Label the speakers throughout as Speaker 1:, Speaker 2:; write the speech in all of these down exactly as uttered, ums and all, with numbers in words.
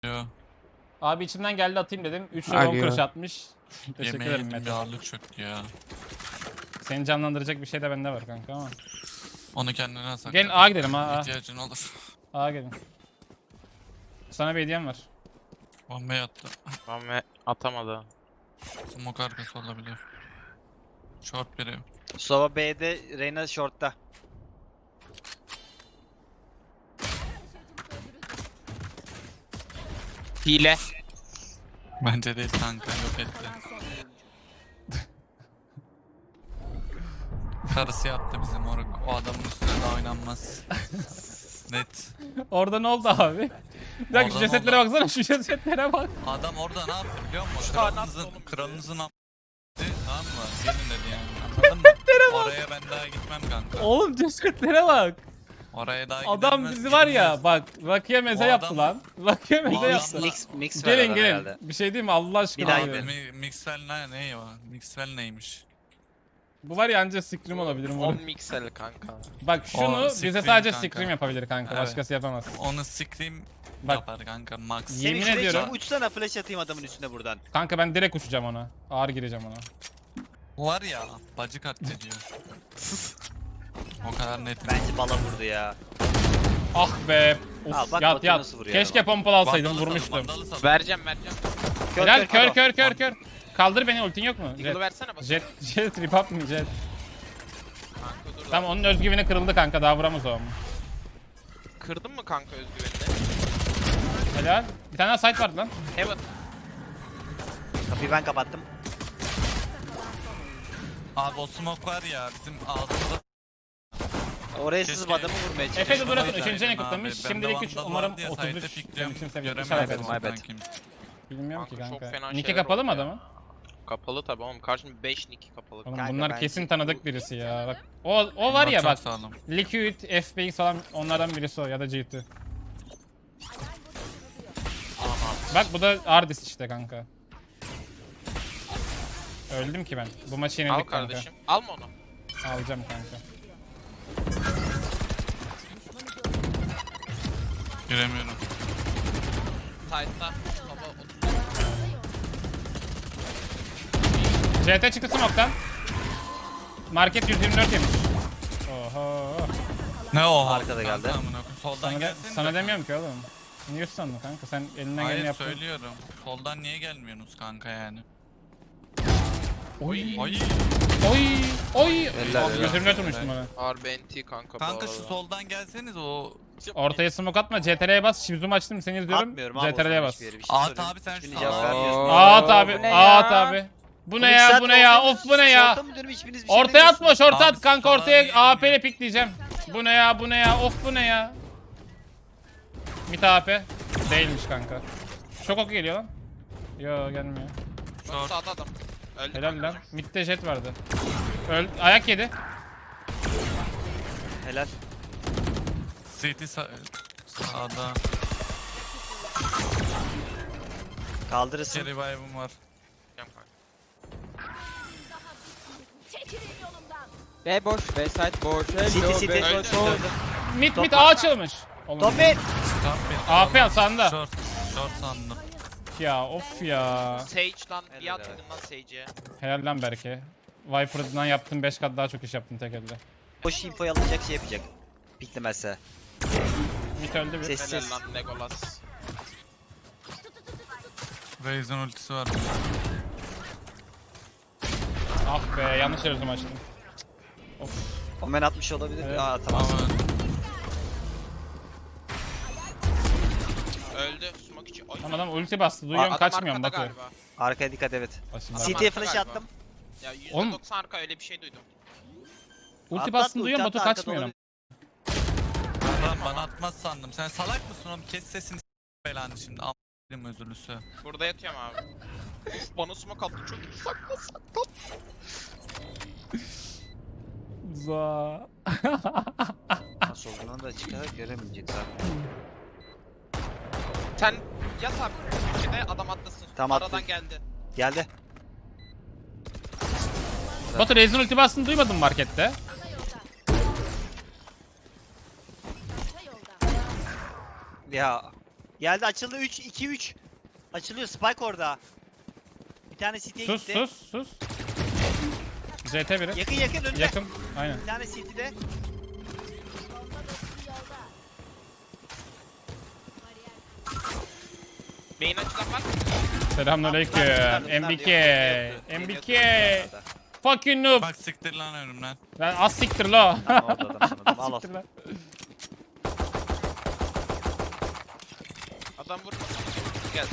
Speaker 1: Yo.
Speaker 2: Abi içimden geldi atayım dedim. üç lira on kuruş atmış. Teşekkür
Speaker 1: Yemeğe
Speaker 2: ederim
Speaker 1: yedim bir
Speaker 2: Mete.
Speaker 1: ağırlık çöktü ya.
Speaker 2: Seni canlandıracak bir şey de bende var kanka ama.
Speaker 1: Onu kendine sakla.
Speaker 2: Gelin A gidelim ha.
Speaker 1: İhtiyacın olur.
Speaker 2: A gelin. Sana bir hediyem var.
Speaker 1: Bombayı attı.
Speaker 3: Ama atamadı.
Speaker 1: Smoke arkası olabilir. Short biri.
Speaker 4: Sova B'de, Reyna short'ta.
Speaker 3: Hile.
Speaker 1: Bence değil kanka, yok etti. Karısı yaptı bizim moruk. O adamın üstüne de oynanmaz. Net.
Speaker 2: Orada ne oldu abi? Bir dakika şu
Speaker 1: Orada ne
Speaker 2: cesetlere
Speaker 1: oldu?
Speaker 2: baksana, şu cesetlere bak.
Speaker 1: Adam orada ne yaptı biliyor musun?
Speaker 3: Şu an
Speaker 1: Kralınızın,
Speaker 3: attı oğlum bizi.
Speaker 1: kralınızın am... Tamam mı? Gelin dedi yani. Anladın mı? Oraya ben daha gitmem kanka.
Speaker 2: Oğlum cesetlere bak.
Speaker 1: Oraya daha
Speaker 2: Adam
Speaker 1: gidilmez,
Speaker 2: bizi var ya
Speaker 1: gidilmez.
Speaker 2: bak Rakıya meze
Speaker 1: O
Speaker 2: yaptı
Speaker 1: adam-
Speaker 2: lan. Rakıya meze
Speaker 1: adam-
Speaker 2: yaptı.
Speaker 4: Mix, mix, mix
Speaker 2: Gelin
Speaker 4: verdiler
Speaker 2: gelin.
Speaker 4: herhalde.
Speaker 2: Bir şey diyeyim mi Allah aşkına
Speaker 4: Bir daha
Speaker 2: abi.
Speaker 4: gidelim.
Speaker 1: Mi- Mixwell ne, ne o? Mixwell neymiş?
Speaker 2: Bu var ya anca scream olabilir
Speaker 3: on
Speaker 2: moruk.
Speaker 3: miksel kanka.
Speaker 2: Bak şunu
Speaker 1: O
Speaker 2: bize
Speaker 1: scream
Speaker 2: sadece
Speaker 1: kanka.
Speaker 2: scream yapabilir kanka.
Speaker 1: Evet.
Speaker 2: Başkası yapamaz.
Speaker 1: Onu scream
Speaker 2: Bak.
Speaker 1: yapar kanka max.
Speaker 2: Yemin
Speaker 4: Yemin şuraya
Speaker 2: ediyorum.
Speaker 4: çıkıp uçsana, flash atayım adamın üstüne buradan.
Speaker 2: Kanka ben direkt uçacağım ona. Ağır gireceğim ona.
Speaker 1: Bu var ya bacı katlediyor. O kadar net.
Speaker 4: Bence bala vurdu ya.
Speaker 2: Ah be. Of,
Speaker 4: Al bak
Speaker 2: yat
Speaker 4: Batu
Speaker 2: yat.
Speaker 4: nasıl vuruyor
Speaker 2: Keşke
Speaker 4: ama.
Speaker 2: pompalı alsaydım,
Speaker 1: Vandalı sal,
Speaker 2: vurmuştum.
Speaker 1: vandalı sal.
Speaker 3: Vereceğim vereceğim.
Speaker 4: Kör,
Speaker 2: Helal kör
Speaker 4: kör.
Speaker 2: kör kör kör. Kaldır beni, ultin yok mu?
Speaker 3: Eagle'ı
Speaker 2: Jet.
Speaker 3: versene bak.
Speaker 2: Jet, jet trip up mı jet?
Speaker 3: Kanka dur.
Speaker 2: Tamam onun özgüveni kırıldı kanka, daha vuramaz o ama.
Speaker 3: Kırdın mı kanka özgüvenini?
Speaker 2: Helal. Bir tane daha site vardı lan.
Speaker 3: Evet.
Speaker 4: Kapıyı ben kapattım.
Speaker 1: Abi o smoke var ya bizim ağzımıza.
Speaker 4: Oraya
Speaker 1: Keşke-
Speaker 4: sızıp adamı vurmaya
Speaker 2: Efe
Speaker 4: çalıştım.
Speaker 2: de bırakın,
Speaker 1: Abi,
Speaker 2: üçüncü ne
Speaker 1: abi,
Speaker 2: kutlamış.
Speaker 1: bende
Speaker 2: Şimdilik üç,
Speaker 1: vandal
Speaker 2: umarım
Speaker 1: vardı ya,
Speaker 2: otuz
Speaker 1: site'de
Speaker 2: üç.
Speaker 1: pikliyorum,
Speaker 2: Benim için sevindim.
Speaker 1: göremedim
Speaker 2: İnşallah
Speaker 4: my bad.
Speaker 1: kankim.
Speaker 2: Bilmiyorum ki
Speaker 3: Kanka çok
Speaker 2: kanka.
Speaker 3: fena
Speaker 2: Nick'i
Speaker 3: şeyler
Speaker 2: kapalı
Speaker 3: oldu
Speaker 2: mı
Speaker 3: ya.
Speaker 2: adamın?
Speaker 3: Kapalı tabi oğlum. Karşımda beş nick kapalı.
Speaker 2: Oğlum
Speaker 4: Kanka
Speaker 2: bunlar
Speaker 4: bence
Speaker 2: kesin
Speaker 4: bu-
Speaker 2: tanıdık birisi ya. Bak o o var
Speaker 1: Bunlar
Speaker 2: ya
Speaker 1: çok
Speaker 2: bak.
Speaker 1: sağlam.
Speaker 2: Liquid, F B X falan onlardan birisi o ya da G iki. Bak bu da Ardis işte kanka. Öldüm ki ben. Bu maçı
Speaker 3: Al
Speaker 2: yenildik kanka.
Speaker 3: kardeşim. Alma onu.
Speaker 2: Alacağım kanka.
Speaker 1: Giremiyorum.
Speaker 3: Tight'ta. Baba otuz.
Speaker 2: C T çıktı smoke'tan. Market yüz yirmi dört yemiş. Oho.
Speaker 1: Ne o?
Speaker 4: Arkada
Speaker 1: kanka,
Speaker 4: geldi.
Speaker 1: amına koyayım. Soldan
Speaker 2: Sana, de,
Speaker 1: gelsene.
Speaker 2: sana demiyorum ki oğlum. Niye sandın kanka? Sen elinden geleni
Speaker 1: Hayır
Speaker 2: yaptın.
Speaker 1: söylüyorum. Soldan niye gelmiyorsunuz kanka yani?
Speaker 2: Oy.
Speaker 1: Ay.
Speaker 2: Oy. Oy.
Speaker 4: Eller,
Speaker 2: Abi
Speaker 4: eller.
Speaker 2: yüz yirmi dört vurmuştum ona.
Speaker 3: R B N T kanka bu
Speaker 1: Kanka şu
Speaker 3: arada.
Speaker 1: soldan gelseniz o.
Speaker 2: Ortaya smoke atma. C T R'ye bas. Şimdi zoom açtım seni izliyorum.
Speaker 4: Atmıyorum abi.
Speaker 2: C T R'ye bas.
Speaker 4: hiçbir yere, bir şey
Speaker 1: At
Speaker 4: soruyorum.
Speaker 1: abi sen
Speaker 4: Hiçbirine
Speaker 1: şu
Speaker 4: cevap
Speaker 1: an.
Speaker 4: vermiyorsun.
Speaker 2: At abi.
Speaker 3: Bu ne
Speaker 2: At
Speaker 3: ya?
Speaker 2: abi. Bu
Speaker 4: Oğlum
Speaker 2: ne
Speaker 4: bir
Speaker 2: ya?
Speaker 4: saat
Speaker 2: Bu ne ya?
Speaker 4: ortaya
Speaker 2: Of bu ne ya?
Speaker 4: Short'a mı dönüyorum, hiçbiriniz bir şey
Speaker 2: Ortaya atma,
Speaker 4: demiyorsunuz.
Speaker 2: şorta
Speaker 1: Abi
Speaker 2: at kanka,
Speaker 1: sola
Speaker 2: ortaya
Speaker 1: niye
Speaker 2: A P ile
Speaker 1: girmiyor?
Speaker 2: pikleyeceğim. Bu ne ya? Bu ne ya? Of bu ne ya? Mid A P. Değilmiş kanka. Çok oku geliyor lan. Yo gelmiyor.
Speaker 3: Çok sağda adam. Öldü
Speaker 2: Helal
Speaker 3: kanka.
Speaker 2: lan. Mid'de jet vardı. Öl ayak yedi.
Speaker 4: Helal.
Speaker 1: City sa sağda.
Speaker 4: Kaldırırsın.
Speaker 1: Geri revive'ım var.
Speaker 3: Gel kanka.
Speaker 5: B boş, B site boş.
Speaker 4: City
Speaker 5: Hello,
Speaker 4: city.
Speaker 5: B
Speaker 3: Öldü.
Speaker 5: boş.
Speaker 4: Öldü.
Speaker 2: Mid mid
Speaker 4: Top
Speaker 2: A açılmış. Oğlum.
Speaker 4: Top mid.
Speaker 1: Stop it.
Speaker 2: A P sağında.
Speaker 1: Short. Short sandım.
Speaker 2: Ya of ya.
Speaker 3: Sage lan. Bir
Speaker 4: Helal
Speaker 3: at dedim lan Sage'e.
Speaker 2: Helal lan Berke. Viper'dan yaptın beş kat daha çok iş yaptın tek elde.
Speaker 4: Boş infoyu alacak, şey yapacak. Piklemezse.
Speaker 2: Mid öldü bir.
Speaker 4: Ses-
Speaker 3: Helal lan Legolas.
Speaker 1: Raze'in ultisi var.
Speaker 2: Ah be, yanlış yere zoom açtım.
Speaker 4: Omen atmış olabilir.
Speaker 2: Evet.
Speaker 4: Aa tamam.
Speaker 1: Ama
Speaker 3: Öldü. Smoke içi. Ay.
Speaker 2: Lan adam ulti bastı, duyuyorum,
Speaker 3: Adam
Speaker 2: kaçmıyorum
Speaker 3: arkada
Speaker 2: Batu.
Speaker 3: galiba.
Speaker 4: Arkaya dikkat, evet.
Speaker 2: Başım
Speaker 3: Adam
Speaker 2: bak.
Speaker 4: City'ye
Speaker 3: arkada
Speaker 4: flash
Speaker 3: galiba.
Speaker 4: attım.
Speaker 3: Ya yüzde
Speaker 2: Oğlum.
Speaker 3: doksan arka öyle bir şey duydum.
Speaker 2: Ulti
Speaker 4: Atlat,
Speaker 2: bastın
Speaker 4: ulti
Speaker 2: duyuyorum,
Speaker 4: atla,
Speaker 2: Batu
Speaker 4: arkada
Speaker 2: kaçmıyorum.
Speaker 1: lan bana atmaz sandım. Sen salak mısın oğlum? Kes sesini s- belanı şimdi. Am***lim özürlüsü.
Speaker 3: Burada yatıyorum abi. Uf bana smoke attı çok iyi. Sakla sakla.
Speaker 2: Za.
Speaker 4: Nasıl olduğunu da çıkar göremeyecek zaten.
Speaker 3: Sen yat abi. İçine adam atlasın.
Speaker 4: Tamam,
Speaker 3: Aradan
Speaker 4: attı.
Speaker 3: geldi.
Speaker 4: Geldi.
Speaker 2: Batu Raze'in ulti bastığını duymadın markette.
Speaker 4: Ya Geldi açıldı üç iki üç. Açılıyor Spike orada. Bir tane City'ye
Speaker 2: Sus
Speaker 4: gitti.
Speaker 2: sus sus. C T biri.
Speaker 4: Yakın yakın önünde.
Speaker 2: Yakın. Aynen.
Speaker 4: Bir tane City'de.
Speaker 3: Beyin açılan var.
Speaker 2: Selamünaleyküm.
Speaker 4: Bunlar- bunlar
Speaker 2: M B K.
Speaker 4: diyor.
Speaker 2: M B K.
Speaker 4: Geliyor, geliyor.
Speaker 2: Fucking noob.
Speaker 1: Bak siktir lan önümden.
Speaker 2: Lan az siktir la.
Speaker 4: Tamam, orada adam sanırım. Al al.
Speaker 2: Siktir lan.
Speaker 3: Adam vurmuş. Gel.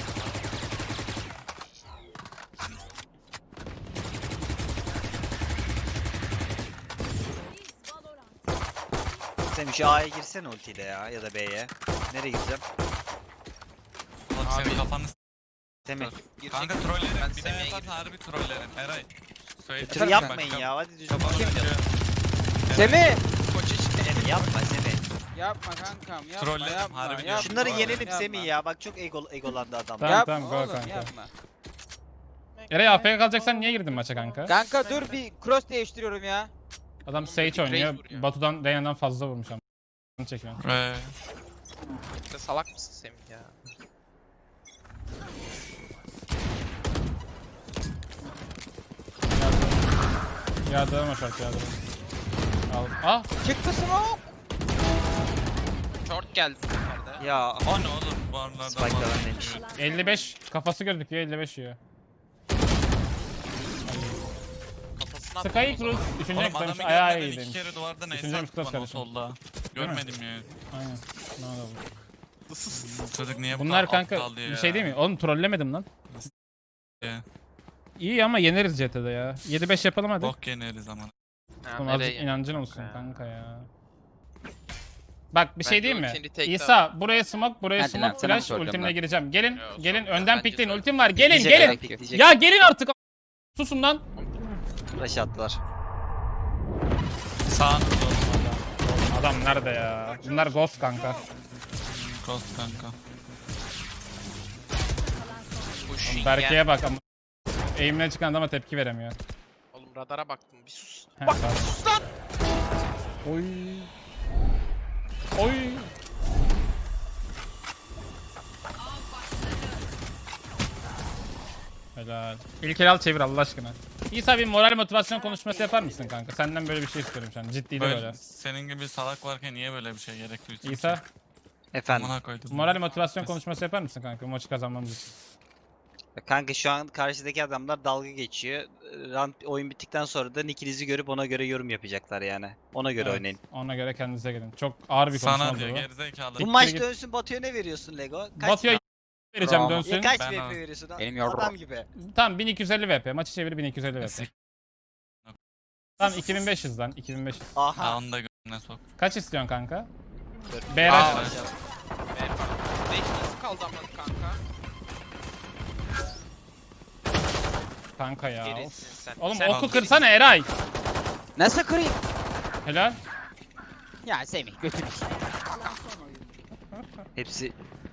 Speaker 4: Sen şu A'ya girsene ultiyle ya ya da B'ye. Nereye gireceğim?
Speaker 1: Oğlum senin kafanı s-
Speaker 4: Semih.
Speaker 1: Kanka
Speaker 3: Ben
Speaker 1: trollerim. Bir de
Speaker 3: Semih'e
Speaker 1: yapan harbi trollerim. Eray. Söyle.
Speaker 4: Tır
Speaker 1: Bak,
Speaker 4: yapmayın
Speaker 1: bak,
Speaker 4: ya hadi düzgün.
Speaker 1: Kafanı
Speaker 4: Kim?
Speaker 1: sıkıyor.
Speaker 5: Semih!
Speaker 3: Koç işte.
Speaker 4: Semih yapma Semih.
Speaker 5: Yapma kankam yapma
Speaker 1: Trolledim,
Speaker 5: yapma.
Speaker 1: harbi
Speaker 5: yapma,
Speaker 1: diyorum.
Speaker 4: Şunları
Speaker 1: Yapma,
Speaker 4: yenelim
Speaker 5: yapma.
Speaker 4: Semih ya. Bak çok ego, egolandı adam.
Speaker 2: Tamam,
Speaker 5: Yapma
Speaker 2: tamam, go
Speaker 5: oğlum,
Speaker 2: kanka.
Speaker 5: yapma.
Speaker 2: Eray A F K kalacaksan niye girdin maça kanka?
Speaker 5: Kanka dur bir cross değiştiriyorum ya.
Speaker 2: Adam
Speaker 3: Oğlum,
Speaker 2: Sage
Speaker 3: bir
Speaker 2: oynuyor.
Speaker 3: Raze vuruyor.
Speaker 2: Batu'dan Reyna'dan fazla vurmuş ama. Bunu çekiyor.
Speaker 1: Ee,
Speaker 3: Sen salak mısın Semih ya?
Speaker 2: Yardırma şart yardırma. Al. Ah!
Speaker 5: Çıktı smoke.
Speaker 3: Short geldi bu sefer de.
Speaker 4: Ya
Speaker 1: o ne oğlum bu aralarda
Speaker 4: Spike'lar
Speaker 1: falan
Speaker 4: neymiş?
Speaker 1: çıkıyor.
Speaker 2: elli beş kafası gözüküyor elli beş yiyor.
Speaker 3: Kafasına
Speaker 2: Sky
Speaker 3: attım o
Speaker 2: Cruz
Speaker 3: zaman.
Speaker 2: üçüncü
Speaker 1: Oğlum
Speaker 2: eklemiş
Speaker 1: adamı
Speaker 2: ayağı
Speaker 1: görmeden
Speaker 2: iyi
Speaker 1: iki
Speaker 2: demiş.
Speaker 1: kere duvardan
Speaker 2: Üçüncü
Speaker 1: ace
Speaker 2: mix
Speaker 1: attı
Speaker 2: class
Speaker 1: bana
Speaker 2: kardeşim.
Speaker 1: solda. Görmedim ya.
Speaker 2: Aynen. Ne oldu?
Speaker 1: Bu çocuk niye bu
Speaker 2: Bunlar
Speaker 1: kadar
Speaker 2: kanka
Speaker 1: aptal ya?
Speaker 2: bir şey değil mi? Oğlum trollemedim lan.
Speaker 1: Ya.
Speaker 2: İyi ama yeneriz C T'de ya. yedi beş yapalım hadi.
Speaker 1: Bok yeneriz ama.
Speaker 3: Ha,
Speaker 2: Oğlum
Speaker 3: nereye
Speaker 2: azıcık
Speaker 3: yani?
Speaker 2: inancın olsun
Speaker 3: Kanka ya.
Speaker 2: kanka ya. Bak bir şey
Speaker 3: Bence
Speaker 2: diyeyim mi?
Speaker 3: ultini take
Speaker 2: İsa buraya smoke, buraya
Speaker 5: Hadi lan,
Speaker 2: smoke,
Speaker 5: sana mı
Speaker 2: flash,
Speaker 5: soracağım
Speaker 2: ultimle
Speaker 5: ben?
Speaker 2: gireceğim. Gelin,
Speaker 3: Yo,
Speaker 2: gelin
Speaker 3: soracağım,
Speaker 2: önden
Speaker 3: bence
Speaker 2: pikleyin.
Speaker 3: soracağım.
Speaker 2: Ultim var. Gelin,
Speaker 4: Diyecek,
Speaker 2: gelin.
Speaker 4: belki diyecek.
Speaker 2: Ya gelin artık. Susun lan.
Speaker 4: Flash attılar.
Speaker 1: Sağ
Speaker 2: Adam nerede ya? Bunlar ghost kanka.
Speaker 1: Ghost kanka.
Speaker 3: Pushing
Speaker 2: Berke'ye
Speaker 3: gel.
Speaker 2: bak ama. Eğimine çıkan adama tepki veremiyor.
Speaker 3: Oğlum radara baktım bir sus.
Speaker 2: Heh,
Speaker 3: Bak
Speaker 2: pardon.
Speaker 3: sus lan.
Speaker 2: Oy. Oy. Helal. İlk el al çevir Allah aşkına. İsa bir moral motivasyon konuşması yapar mısın kanka? Senden böyle bir şey istiyorum şu an. Ciddi de
Speaker 1: Böyle,
Speaker 2: böyle.
Speaker 1: senin gibi salak varken niye böyle bir şey gerek duysun?
Speaker 2: İsa
Speaker 4: Efendim.
Speaker 1: Amına koydum.
Speaker 2: moral motivasyon konuşması yapar mısın kanka bu maçı kazanmamız için?
Speaker 4: Kanka şu an karşıdaki adamlar dalga geçiyor. Round oyun bittikten sonra da nickinizi görüp ona göre yorum yapacaklar yani. Ona göre
Speaker 2: Evet,
Speaker 4: oynayın.
Speaker 2: Ona göre kendinize gelin. Çok ağır bir konuşma
Speaker 1: Sana
Speaker 2: oldu
Speaker 1: diyor
Speaker 2: bu.
Speaker 1: gerizekalı.
Speaker 4: Bu maç
Speaker 2: git.
Speaker 4: dönsün Batu'ya ne veriyorsun Lego? Kaç,
Speaker 2: Batu'ya vereceğim
Speaker 5: Bravo.
Speaker 2: dönsün.
Speaker 4: ya kaç
Speaker 1: Ben
Speaker 4: V P
Speaker 1: al.
Speaker 4: veriyorsun?
Speaker 5: Benim yorum.
Speaker 4: Adam gibi.
Speaker 2: Tamam bin iki yüz elli V P. Maçı çevir bin iki yüz elli V P.
Speaker 1: Sik-
Speaker 2: Tamam iki bin beş yüz lan iki bin beş yüz.
Speaker 1: Ha
Speaker 4: Aha.
Speaker 1: onu da göğüne sok.
Speaker 2: Kaç istiyorsun kanka?
Speaker 4: Dur.
Speaker 2: B
Speaker 1: Aa,
Speaker 2: rush.
Speaker 1: evet.
Speaker 3: beş nasıl kaldı ama kanka?
Speaker 2: Kanka ya. of.
Speaker 3: Gerisin sen.
Speaker 2: Oğlum
Speaker 3: Sen
Speaker 2: oku
Speaker 3: gerisin.
Speaker 2: kırsana Eray.
Speaker 5: Nasıl kırayım?
Speaker 2: Helal.
Speaker 5: Ya Semih götür.
Speaker 4: Hepsi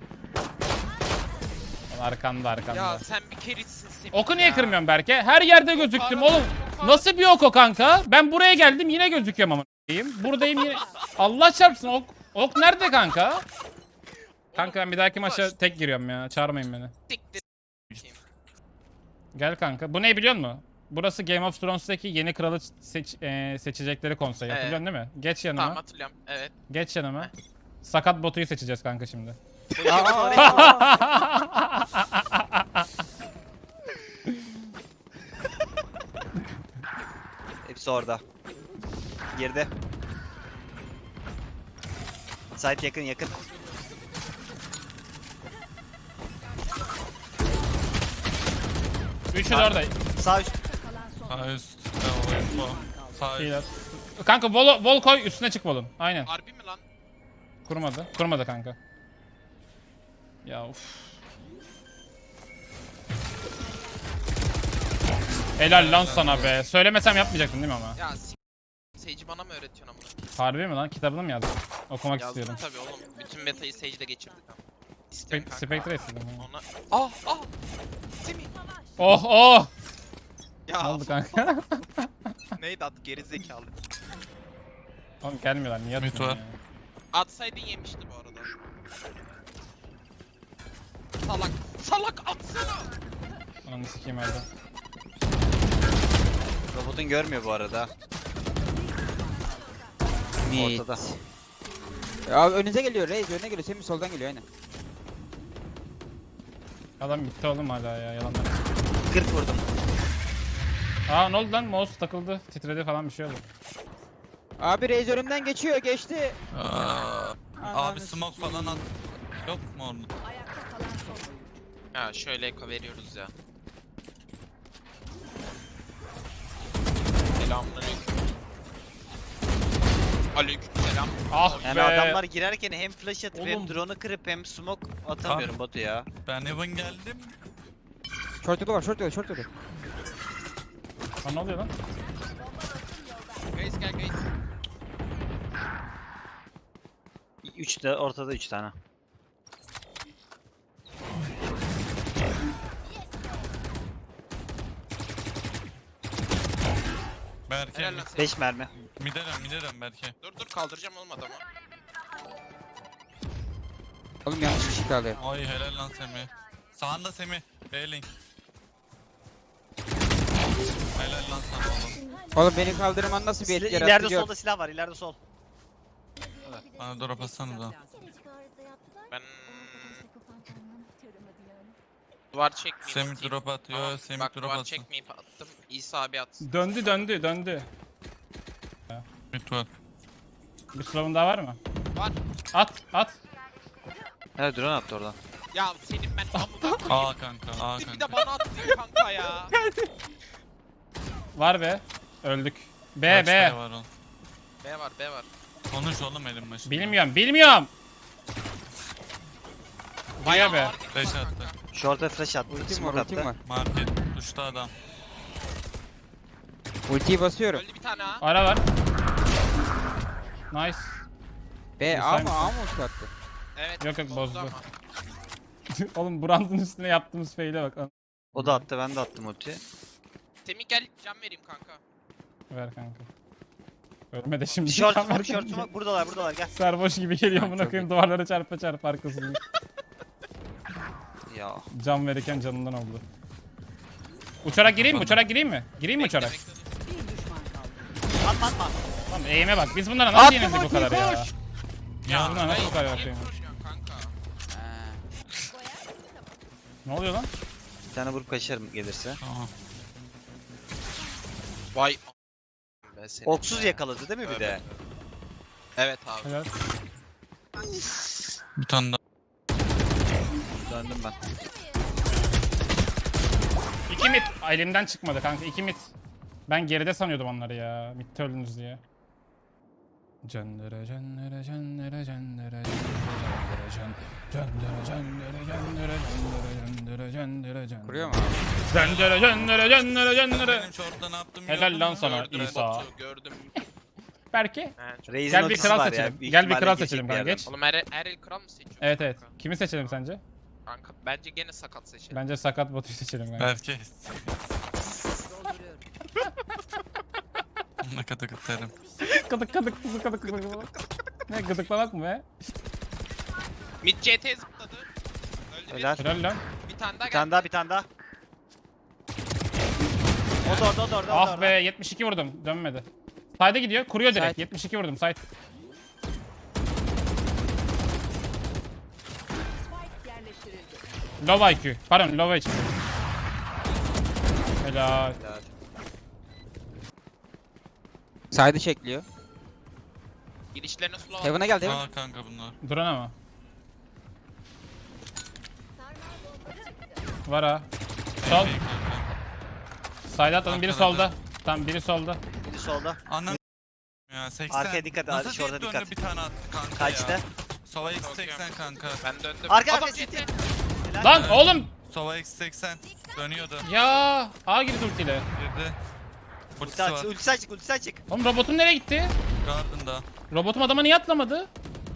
Speaker 2: Arkanda arkanda.
Speaker 3: Ya sen bir kerisin Semih
Speaker 2: Oku niye
Speaker 3: ya.
Speaker 2: kırmıyorsun Berke? Her yerde gözüktüm oğlum. Nasıl bir ok o kanka? Ben buraya geldim yine gözüküyorum ama. Buradayım yine. Allah çarpsın ok. Ok nerede kanka? Kanka ben bir dahaki maça tek giriyorum ya. Çağırmayın beni.
Speaker 3: Siktir.
Speaker 2: Gel kanka. Bu ne biliyor musun? Burası Game of Thrones'taki yeni kralı seç, e, seçecekleri konseyi.
Speaker 3: Evet.
Speaker 2: Hatırlıyorsun değil mi? Geç yanıma.
Speaker 3: Tamam hatırlıyorum. Evet.
Speaker 2: Geç yanıma. Sakat botuyu seçeceğiz kanka şimdi.
Speaker 4: hepsi orada. Girdi. Site yakın yakın.
Speaker 2: Üçü de orada.
Speaker 4: Sağ üst.
Speaker 1: Sağ üst. Sağ üst. Sağ üst.
Speaker 2: İyiler. Kanka vol, vol koy üstüne çık volun. Aynen.
Speaker 3: Harbi mi lan?
Speaker 2: Kurmadı. Kurmadı kanka. Ya uf. Helal lan sana be. Söylemesem yapmayacaktın değil mi ama?
Speaker 3: Ya s*** Sage'i bana mı öğretiyorsun amına?
Speaker 2: Harbi mi lan? Kitabını mı yazdın? Okumak
Speaker 3: Yazdım
Speaker 2: istiyorum.
Speaker 3: tabii oğlum. Bütün metayı Sage'de geçirdik ama.
Speaker 2: Spe
Speaker 3: İstiyorum kanka.
Speaker 2: Spectre istedim. ya.
Speaker 3: Ona... Ah ah! Semih!
Speaker 2: Oh oh!
Speaker 3: Ya
Speaker 2: Ne oldu kanka?
Speaker 3: neydi adı gerizekalı.
Speaker 2: Oğlum gelmiyorlar. Niye
Speaker 1: Mid
Speaker 2: atıyorsun
Speaker 1: var.
Speaker 2: ya?
Speaker 3: Atsaydın yemişti bu arada. Salak. Salak atsana.
Speaker 2: Ananı sikeyim öldü.
Speaker 4: Robotun görmüyor bu arada.
Speaker 5: Mid.
Speaker 4: Ortada.
Speaker 5: Ya önünüze geliyor Reis, önüne geliyor. Semih soldan geliyor aynen.
Speaker 2: Adam gitti oğlum hala ya yalanlar.
Speaker 4: kırk vurdum.
Speaker 2: Aa ne oldu lan? Mouse takıldı. Titredi falan bir şey oldu.
Speaker 5: Abi Reis önümden geçiyor, geçti.
Speaker 1: Aa,
Speaker 5: Ananı
Speaker 1: abi smoke
Speaker 5: sikeyim.
Speaker 1: falan at. Yok mu orada?
Speaker 3: Ha şöyle eko veriyoruz ya. Selamünaleyküm. Aleykümselam.
Speaker 2: Ah
Speaker 4: Yani
Speaker 2: be.
Speaker 4: adamlar girerken hem flash atıp
Speaker 2: Oğlum.
Speaker 4: hem drone'u kırıp hem smoke atamıyorum Batu ya.
Speaker 1: Ben Evan geldim.
Speaker 5: Short yolu var, short yolu, short yolu.
Speaker 2: Lan ne oluyor lan?
Speaker 3: Guys gel guys.
Speaker 4: üç de ortada üç tane.
Speaker 1: Berke.
Speaker 3: Helal lan Semih.
Speaker 4: beş mermi.
Speaker 1: Miderim miderim Berke.
Speaker 3: Dur dur kaldıracağım olmadı ama.
Speaker 5: Oğlum yanlış kişi kaldı.
Speaker 1: Ay helal lan Semih. Sağında Semih. Bailing. Helal lan sana oğlum.
Speaker 5: Oğlum beni kaldırman nasıl bir
Speaker 4: Sil-
Speaker 5: etki
Speaker 4: İleride
Speaker 5: yarattı gör.
Speaker 4: solda silah var, ileride sol.
Speaker 1: Bana drop atsana da.
Speaker 3: Ben duvar çekmeyeyim.
Speaker 1: Semih
Speaker 3: atayım.
Speaker 1: drop atıyor.
Speaker 3: Tamam,
Speaker 1: Semih
Speaker 3: bak
Speaker 1: drop
Speaker 3: duvar
Speaker 1: atsın.
Speaker 3: çekmeyip attım. İsa abi atsın.
Speaker 2: Döndü döndü döndü.
Speaker 1: Mid var.
Speaker 2: Bir slow'un daha var mı?
Speaker 3: Var.
Speaker 2: At at.
Speaker 4: Evet drone attı oradan.
Speaker 3: Ya senin ben amına koyayım.
Speaker 1: Aa kanka. Aa
Speaker 3: Bir de
Speaker 1: kanka.
Speaker 3: bana attın kanka ya.
Speaker 2: Var be. Öldük. B
Speaker 1: Kaç
Speaker 2: B.
Speaker 1: tane var oğlum?
Speaker 3: B var B var.
Speaker 1: Konuş oğlum elim başında.
Speaker 2: Bilmiyorum bilmiyorum. Baya be.
Speaker 3: ağır gidiyor
Speaker 1: Beş
Speaker 3: kanka.
Speaker 1: attı.
Speaker 4: Short'a flash attı,
Speaker 5: Ultim var,
Speaker 4: smoke
Speaker 5: ultim
Speaker 4: attı.
Speaker 5: var.
Speaker 1: Market. Tuşta adam.
Speaker 5: Ultiyi basıyorum.
Speaker 3: Öldü bir tane ha.
Speaker 2: Ara var. Nice.
Speaker 5: B, A mı, A mı ulti attı?
Speaker 3: Evet.
Speaker 2: Yok, yok, bozdu.
Speaker 3: ama.
Speaker 2: Oğlum Brand'ın üstüne yaptığımız fail'e bak.
Speaker 4: O da attı, ben de attım ultiyi.
Speaker 3: Semih gel can vereyim kanka.
Speaker 2: Ver kanka. Ölme de şimdi.
Speaker 4: Short
Speaker 2: Kan
Speaker 4: smoke,
Speaker 2: ver
Speaker 4: short
Speaker 2: kanka.
Speaker 4: smoke, buradalar, buradalar, gel.
Speaker 2: Sarhoş gibi geliyor
Speaker 5: Ha,
Speaker 2: amına
Speaker 5: çok
Speaker 2: koyayım duvarlara çarpa çarpa arkasından.
Speaker 4: Ya.
Speaker 2: Can verirken canından oldu. Uçarak gireyim mi? Uçarak gireyim mi? Gireyim mi
Speaker 3: Bekle,
Speaker 2: uçarak?
Speaker 3: bekle.
Speaker 4: Atma atma.
Speaker 2: Tamam eğime bak. Biz bunlara nasıl
Speaker 5: Attım
Speaker 2: yenildik bu kadar
Speaker 5: ultiyi,
Speaker 2: ya?
Speaker 5: koş!
Speaker 2: Ya bunlar nasıl bu kadar
Speaker 3: Niye
Speaker 2: yapıyor?
Speaker 3: koşuyorsun kanka?
Speaker 5: Ha.
Speaker 2: Ne oluyor lan?
Speaker 4: Bir tane vurup kaçarım gelirse.
Speaker 1: Tamam.
Speaker 3: Vay a- be senin
Speaker 4: Oksuz
Speaker 3: be.
Speaker 4: yakaladı değil mi bir de?
Speaker 3: Evet. Evet abi.
Speaker 2: Helal.
Speaker 1: Bir tane daha.
Speaker 4: Döndüm ben.
Speaker 2: İki mit. Elimden çıkmadı kanka. İki mit. Ben geride sanıyordum onları ya. Mitte öldünüz diye. Cendere cendere cendere cendere cendere can. Cendere cendere cendere cendere cendere cendere can.
Speaker 5: Kuruyor mu abi?
Speaker 2: Cendere cendere cendere cendere.
Speaker 1: Benim short'ta ne yaptım
Speaker 2: Helal
Speaker 1: gördün
Speaker 2: lan
Speaker 1: mü?
Speaker 2: sana
Speaker 3: Gördüm,
Speaker 2: İsa.
Speaker 3: Batu, gördüm.
Speaker 2: Berke.
Speaker 3: He, çok-
Speaker 4: Reis'in
Speaker 2: Gel bir
Speaker 4: ultisi
Speaker 2: kral
Speaker 4: var
Speaker 2: seçelim.
Speaker 4: ya, büyük
Speaker 2: Gel bir
Speaker 4: ihtimalle
Speaker 2: kral
Speaker 4: geçecek
Speaker 2: seçelim
Speaker 4: bir
Speaker 2: kanka,
Speaker 4: yerden.
Speaker 2: geç.
Speaker 3: Oğlum Erel, Erel kral mı seçiyorsun?
Speaker 2: Evet evet.
Speaker 3: Kanka?
Speaker 2: Kimi seçelim sence?
Speaker 3: Kanka bence gene sakat seçelim.
Speaker 2: Bence sakat botu seçelim kanka.
Speaker 1: Berke. Ne kadar kıtlarım.
Speaker 2: Gıdık gıdık gıdık gıdık gıdık. Ne gıdıklamak mı be?
Speaker 3: Mid C T zıpladı. Öldü
Speaker 4: Helal.
Speaker 2: Helal lan.
Speaker 3: bir. Bir tane daha
Speaker 4: Bir tane
Speaker 3: geldi.
Speaker 4: daha, bir tane daha. O da orada, o da orada, o da
Speaker 2: Ah
Speaker 4: orada.
Speaker 2: be yetmiş iki vurdum. Dönmedi. Side'e gidiyor. Kuruyor direkt.
Speaker 5: Side.
Speaker 2: yetmiş iki vurdum side. Low I Q. Pardon low H P. Helal.
Speaker 4: Helal.
Speaker 5: Side'ı çekliyor.
Speaker 3: Girişlerine slow at.
Speaker 5: Heaven'a geldi Heaven.
Speaker 1: Aa kanka bunlar.
Speaker 2: Drone ama. Var ha. Sol.
Speaker 1: Ey kanka.
Speaker 2: Side atladım. Biri
Speaker 1: Arkada.
Speaker 2: solda. Tamam biri solda.
Speaker 4: Biri solda.
Speaker 1: Anam ya seksen.
Speaker 4: Arkaya dikkat,
Speaker 1: Nasıl
Speaker 4: şurada
Speaker 1: tek döndü
Speaker 4: dikkat.
Speaker 1: bir tane attı kanka
Speaker 4: Kaçtı?
Speaker 1: ya. Sova X seksen kanka.
Speaker 3: Ben döndüm.
Speaker 4: Arka,
Speaker 3: Adam
Speaker 4: arka,
Speaker 3: C T.
Speaker 4: C T. Helal.
Speaker 2: Lan oğlum.
Speaker 1: Sova X seksen. Dönüyordu.
Speaker 2: Ya. A girdi ultiyle.
Speaker 1: Girdi.
Speaker 4: Ulti
Speaker 1: Ultisi
Speaker 4: aç,
Speaker 1: var.
Speaker 4: ulti açık, ulti açık.
Speaker 2: Oğlum robotum nereye gitti?
Speaker 1: Garden'da.
Speaker 2: Robotum adama niye atlamadı?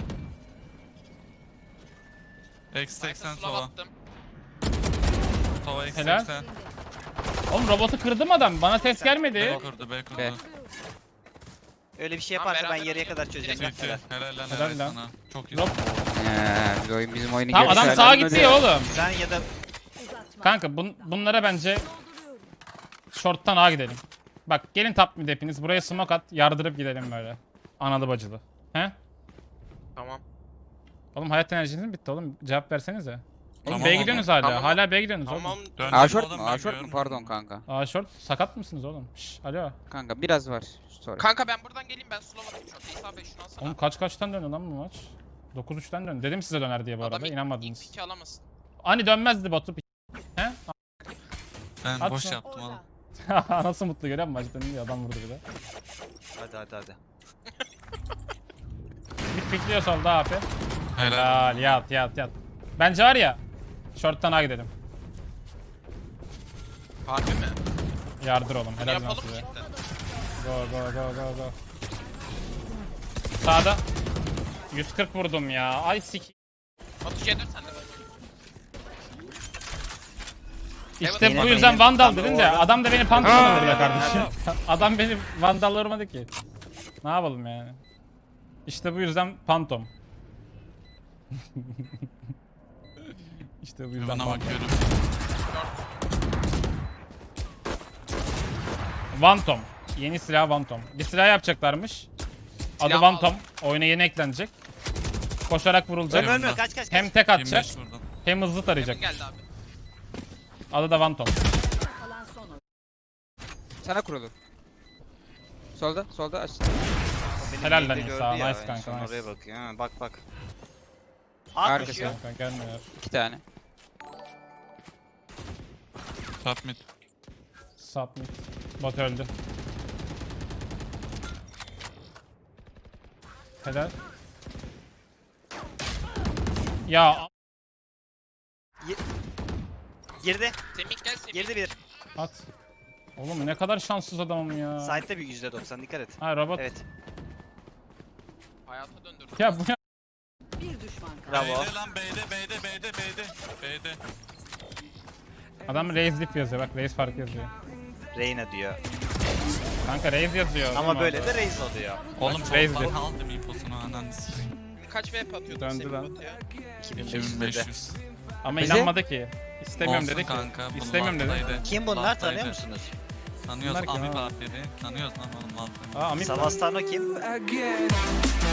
Speaker 1: X seksen
Speaker 3: Slow
Speaker 1: Sova.
Speaker 3: attım.
Speaker 1: Sova X
Speaker 2: Helal.
Speaker 1: seksen.
Speaker 2: Oğlum robotu kırdım adam. Bana ses gelmedi.
Speaker 1: B kurdu B kurdu.
Speaker 5: B.
Speaker 4: Öyle bir şey
Speaker 3: Tamam,
Speaker 4: yaparsa ben
Speaker 3: beraber
Speaker 4: yarıya
Speaker 3: oynayalım.
Speaker 4: kadar çözeceğim.
Speaker 3: Direkt
Speaker 4: Helal.
Speaker 1: Bitti. Helal lan
Speaker 2: Helal
Speaker 1: helal
Speaker 2: lan.
Speaker 1: sana. Çok iyi.
Speaker 2: Drop.
Speaker 5: Eee bir oyun bizim oyunu
Speaker 2: Tamam adam
Speaker 5: görüyor.
Speaker 2: sağa
Speaker 5: Helal
Speaker 2: gitti ya oğlum.
Speaker 4: Sen ya da
Speaker 2: Kanka bun, bunlara bence short'tan A gidelim. Bak gelin top mid hepiniz. Buraya smoke at. Yardırıp gidelim böyle. Analı bacılı. He?
Speaker 3: Tamam.
Speaker 2: Oğlum hayat enerjiniz mi bitti oğlum? Cevap versenize. Oğlum
Speaker 1: Tamam
Speaker 2: B'ye
Speaker 1: oğlum.
Speaker 2: gidiyorsunuz hala.
Speaker 3: Tamam.
Speaker 2: Hala B'ye gidiyorsunuz
Speaker 3: Tamam.
Speaker 2: oğlum.
Speaker 1: Döndüm
Speaker 5: A short
Speaker 1: oğlum,
Speaker 5: mu?
Speaker 1: ben
Speaker 5: A short mu?
Speaker 1: görmedim.
Speaker 5: Pardon kanka.
Speaker 2: A short. Sakat mısınız oğlum? Şş, alo.
Speaker 5: Kanka biraz var. Sonra.
Speaker 3: Kanka ben buradan geleyim, ben slow atayım çok. İsa Bey şunu alsana.
Speaker 2: Oğlum kaç kaçtan döndü lan bu maç? dokuz üçten döndü. Dedim size döner diye bu arada.
Speaker 3: Adam ilk, ilk
Speaker 2: İnanmadınız.
Speaker 3: piki alamasın.
Speaker 2: Hani dönmezdi Batu. He?
Speaker 1: Ben
Speaker 2: Atma.
Speaker 1: boş yaptım oğlum.
Speaker 2: Nasıl mutlu görüyor musun? Maçta iyi adam vurdu bir de.
Speaker 4: hadi hadi hadi.
Speaker 2: Bir pikliyor solda abi.
Speaker 1: Helal.
Speaker 2: Helal yat yat yat. Bence var ya. Short'tan A gidelim.
Speaker 3: Harbi mi?
Speaker 2: Yardır oğlum.
Speaker 3: Bunu
Speaker 2: Helal lan
Speaker 3: yapalım
Speaker 2: size.
Speaker 3: cidden.
Speaker 2: Go go go go go. Sağda. yüz kırk vurdum ya. Ay sik.
Speaker 3: Batu C dört sende Batu.
Speaker 2: İşte
Speaker 3: Evet,
Speaker 2: bu
Speaker 4: yine
Speaker 2: yüzden
Speaker 4: benim
Speaker 2: Vandal
Speaker 4: tam
Speaker 2: dedin
Speaker 4: o
Speaker 2: de
Speaker 4: arada-
Speaker 2: adam da beni pantolon vurdu be kardeşim. Adam beni Vandal vurmadı ki. Ne yapalım yani? İşte bu yüzden Pantom. İşte bu yüzden
Speaker 1: Bana
Speaker 2: Pantom.
Speaker 1: bakıyorum.
Speaker 2: Vantom. Yeni silah Vantom. Bir silah yapacaklarmış. Adı
Speaker 3: Silah
Speaker 2: Vantom. Oyuna yeni eklenecek. Koşarak vurulacak.
Speaker 4: Ölme ölme kaç kaç kaç.
Speaker 2: Hem tek atacak
Speaker 1: yirmi beş vurdum.
Speaker 2: hem hızlı tarayacak.
Speaker 3: Yakın geldi abi.
Speaker 2: Adı da Vantom.
Speaker 5: Sana kurulu. Solda, solda aç.
Speaker 4: Benim
Speaker 2: Helal lan
Speaker 4: neyde
Speaker 2: İsa,
Speaker 4: gördü ya,
Speaker 2: nice
Speaker 4: en
Speaker 2: kanka,
Speaker 4: son
Speaker 2: nice.
Speaker 4: Oraya bakıyor. Ha, bak bak.
Speaker 5: Arkası.
Speaker 4: At düşüyor.
Speaker 2: Kanka gelmiyor.
Speaker 5: İki tane.
Speaker 1: Top mid.
Speaker 2: Submit. Bot öldü. Helal. Ya
Speaker 4: Girdi.
Speaker 3: Semih gel Semih.
Speaker 4: Girdi bir.
Speaker 2: at. Oğlum ne kadar şanssız adamım ya.
Speaker 4: Side'de bir yüzde doksan dikkat et.
Speaker 2: Ha robot.
Speaker 4: Evet.
Speaker 3: Hayata döndürdüm.
Speaker 2: Ya bu ya.
Speaker 6: Bir düşman kaldı.
Speaker 4: Bravo.
Speaker 1: B'de lan B'de B'de B'de B'de. B'de.
Speaker 2: Adam Raze dip yazıyor bak Raze farkı yazıyor.
Speaker 4: Reyna diyor.
Speaker 2: Kanka Raze yazıyor.
Speaker 4: Ama
Speaker 2: Değil mi
Speaker 4: böyle
Speaker 2: orada?
Speaker 4: de Reis oluyor.
Speaker 1: Oğlum
Speaker 2: Raze'di.
Speaker 1: çok aldım infosunu ananı sikeyim.
Speaker 3: Kaç V P atıyordun
Speaker 2: Döndü
Speaker 3: Semih
Speaker 2: lan.
Speaker 3: Batu'ya?
Speaker 4: iki bin beş
Speaker 1: iki bin
Speaker 4: yüz
Speaker 1: beş
Speaker 4: dedi.
Speaker 1: yüz.
Speaker 2: Ama
Speaker 5: Bize-
Speaker 2: inanmadı ki. İstemiyorum
Speaker 1: Olsun
Speaker 2: dedi ki.
Speaker 1: kanka. bunun
Speaker 2: İstemiyorum dedi.
Speaker 1: altındaydı.
Speaker 4: Kim bunlar
Speaker 1: Alttaydı.
Speaker 4: tanıyor musunuz?
Speaker 1: Tanıyoruz
Speaker 2: Bunlar kim
Speaker 1: Amip
Speaker 2: ha?
Speaker 1: abi. Tanıyoruz lan oğlum altını.
Speaker 2: Aa Amit.
Speaker 4: Savastano kim?
Speaker 7: again.